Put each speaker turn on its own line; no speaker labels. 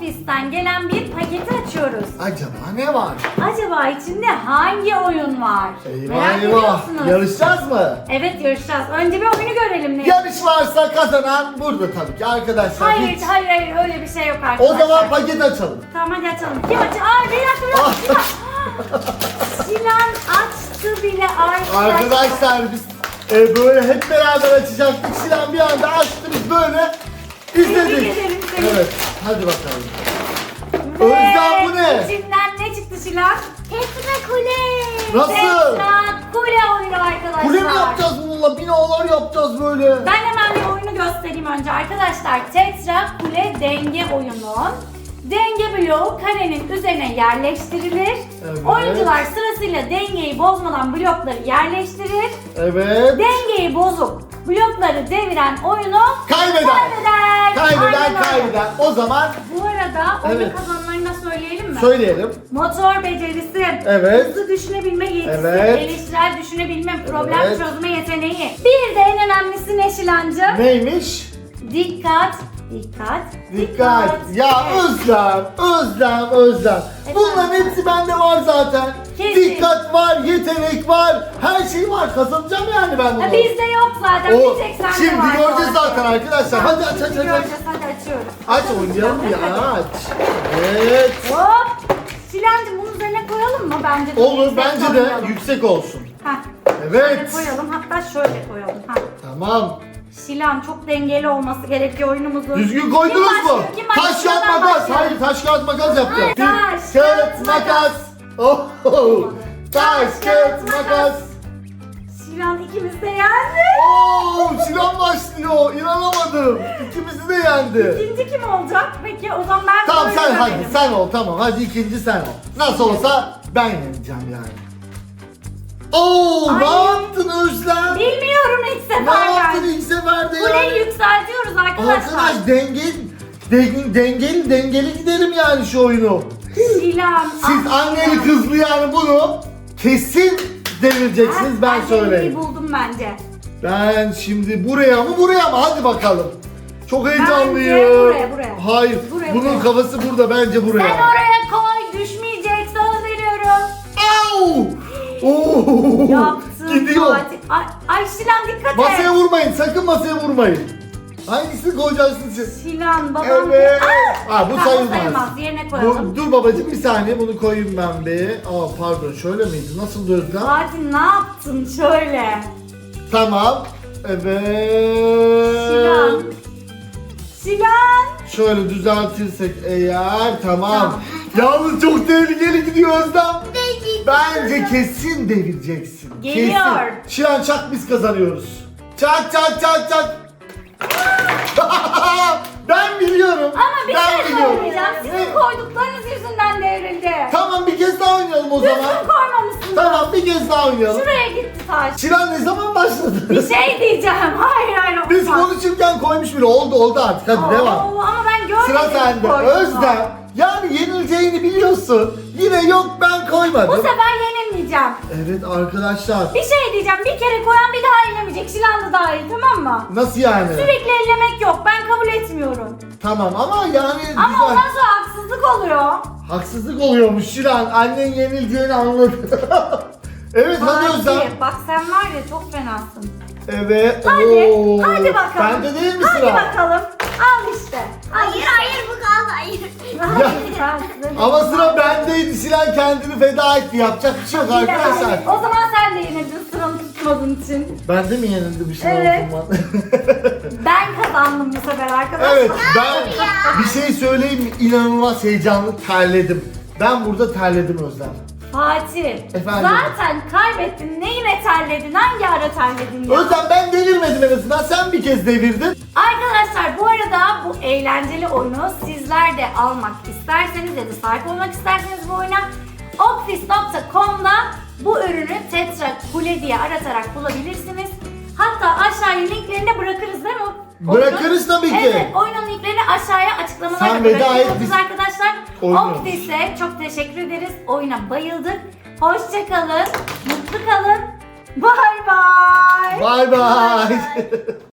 Ofis'ten gelen bir paketi açıyoruz.
Acaba ne var?
Acaba içinde hangi oyun var?
Eyvah
Merak ediyor
eyvah.
musunuz?
Yarışacağız mı?
Evet, yarışacağız. Önce bir oyunu görelim. Ne?
Yarış varsa kazanan burada tabii ki arkadaşlar.
Hayır,
Hiç-
hayır, öyle bir şey yok
O
arkadaşlar.
zaman paket açalım.
Tamam, hadi açalım. Kim açıyor? Aa, bir dakika. Sinan açtı bile arkadaşlar.
Arkadaşlar biz böyle hep beraber açacaktık. Sinan bir anda açtı, biz böyle izledik.
Tebrik ederim seni.
Evet, hadi bakalım.
Ve
Özlem, bu ne?
İçinden ne çıktı Sinan? Tetra Kule.
Nasıl?
Tetra Kule oyunu arkadaşlar.
Kule mi yapacağız bununla? Binalar yapacağız böyle.
Ben hemen bir oyunu göstereyim önce arkadaşlar. Tetra Kule denge oyunu. Denge bloğu karenin üzerine yerleştirilir.
Evet.
Oyuncular sırasıyla dengeyi bozmadan blokları yerleştirir.
Evet.
Dengeyi bozup blokları deviren oyunu
Kaybeder.
kaybeder.
Kaybeden
Aynen öyle.
kaybeder. O zaman
Bu arada oyunu
Evet.
kazananlarını da söyleyelim mi?
söyleyelim.
Motor becerisi,
Evet.
hızlı düşünebilme yetisi,
Evet.
eleştirel düşünebilme, problem
Evet.
çözme yeteneği. Bir de en önemlisi ne Şilancığım?
Neymiş?
Dikkat, dikkat,
Dikkat. Ya Özlem. Bunların hepsi bende var zaten.
Kesin.
Dikkat var, yetenek var, her şey var. Kazanacağım yani ben bunu.
Ha, bizde yok zaten,
O,
bir tek sende
şimdi
var.
göreceğiz zaten arkadaşlar. Hadi aç.
Şimdi göreceğiz, hadi açıyoruz.
Aç
Açalım
oynayalım
Şilan,
ya,
hadi.
aç. Evet.
Hop. Şilancığım bunun üzerine koyalım mı bence de?
Olur,
yüksek
bence de
koyalım.
yüksek olsun.
Heh.
Evet.
Şöyle koyalım, hatta şöyle koyalım. Heh.
Tamam.
Şilan çok dengeli olması gerekiyor oyunumuzun.
Düzgün koydunuz
Kim
mu?
başlıyor? Kim başlıyor?
Taş kağıt
Ben
makas.
başlıyorum.
Hayır, taş kağıt makas yapacağız.
Hayır, taş,
Kağıt
kağıt,
makas. Oh. Taş kağıt makas.
Şilan ikimiz de yendi.
Oo, Sinan başlıyor. İnanamadım. İkimizi de yendi.
İkinci kim olacak? Peki o zaman ben
Tamam
böyle
sen hadi
görelim.
sen ol, tamam. Hadi ikinci sen ol. Nasıl olsa ben yeneceğim yani. Oo,
Ay.
ne yaptın Özlem?
Bilmiyorum ilk
Ne
sefer
yaptın
ben.
ilk seferde ya?
Kuleyi yükseltiyoruz arkadaşlar.
Arkadaş dengeli gidelim yani şu oyunu.
Şilan.
Siz anneli kızlı yani bunu kesin devireceksiniz, ben söyleyeyim.
dengeyi buldum bence.
Ben şimdi buraya mı hadi bakalım. Çok heyecanlıyım.
buraya.
Hayır,
Buraya,
bunun
buraya.
kafası burada, bence buraya.
Sen oraya koy, düşmeyecek, söz veriyorum.
Au! Oo!
Yaptın
Gidiyor.
Fatih. Ay Şilan dikkat et.
Masaya vurmayın, sakın masaya vurmayın. Hangisini koyacaksınız siz?
Şilan babam.
Evet.
Ah!
Bu
Tamam,
sayılmaz.
Yerine koyalım.
Dur babacığım, bir saniye, bunu koyayım ben bir. Pardon, şöyle miydi? Nasıl Özlem?
Fatih ne yaptın şöyle?
Tamam. Evet.
Şilan. Şilan.
Şöyle düzeltirsek eğer, tamam.
Tamam.
Yalnız çok tehlikeli gidiyor Özlem. Bence kesin devireceksin.
Geliyor.
Kesin. Şilan çak, biz kazanıyoruz. Çak. Ben biliyorum.
Ama bir
ben
şey
biliyorum.
söyleyeceğim. Sizin koyduklarınız yüzünden devrildi.
Tamam, bir kez daha oynayalım o zaman.
Düzgün koymamışsınız.
Tamam, bir kez daha oynayalım.
Şuraya gitti taş.
Şilan ne zaman başladı?
Bir şey diyeceğim. Hayır.
Biz
olmaz.
konuşurken koymuş bile. Oldu artık, hadi devam.
Ama ben görmedim.
Sıra sende.
koyduğunu.
Özlem. Yani yenileceğini biliyorsun. Yine yok, ben
Bu
koymadım.
sefer yenilmeyeceğim.
Evet arkadaşlar.
Bir şey diyeceğim. Bir kere koyan bir daha ellemeyecek. Şilan da dahil, tamam mı?
Nasıl yani?
Sürekli ellemek yok. Ben kabul etmiyorum.
Tamam ama yani
Ama
güzel.
ondan sonra haksızlık oluyor.
Haksızlık oluyormuş Şilan. Annen yenileceğini anladı. Evet, hadi Özlem.
Fatih, bak sen var ya çok fenasın.
Evet.
Hadi, hadi bakalım.
Bende değil mi
Hadi
sıra?
bakalım. Al işte.
Hayır bu kaldı hayır.
Ama sıra bendeydi. Şilan kendini feda etti. Yapacak bir şey yok arkadaşlar.
O zaman sen de yenildin sıranı tutmadığın için.
Ben de mi yenildim Şilan
Evet.
o zaman?
Ben kazandım bu sefer arkadaşlar.
Evet, ben bir şey söyleyeyim mi? İnanılmaz heyecanlı, terledim. Ben burada terledim Özlem.
Fatih,
Efendim?
zaten kaybettin. Neyine terledin? Hangi ara terledin ya?
Özlem, ben devirmedim en azından. Sen bir kez devirdin.
Arkadaşlar bu arada bu eğlenceli oyunu sizler de almak isterseniz ya da sahip olmak isterseniz bu oyuna Okfis.com'da bu ürünü Tetra Kule diye aratarak bulabilirsiniz. Hatta aşağıya linklerini de bırakırız değil mi?
Bırakırız tabii ki.
Evet, oyunun linklerini aşağıya açıklamalarda
Sen veda et,
bırakıyoruz
biz
arkadaşlar.
oynuyoruz.
Okfis'e çok teşekkür ederiz. Oyuna bayıldık. Hoşça kalın, mutlu kalın. Bye bye.
Bye bye.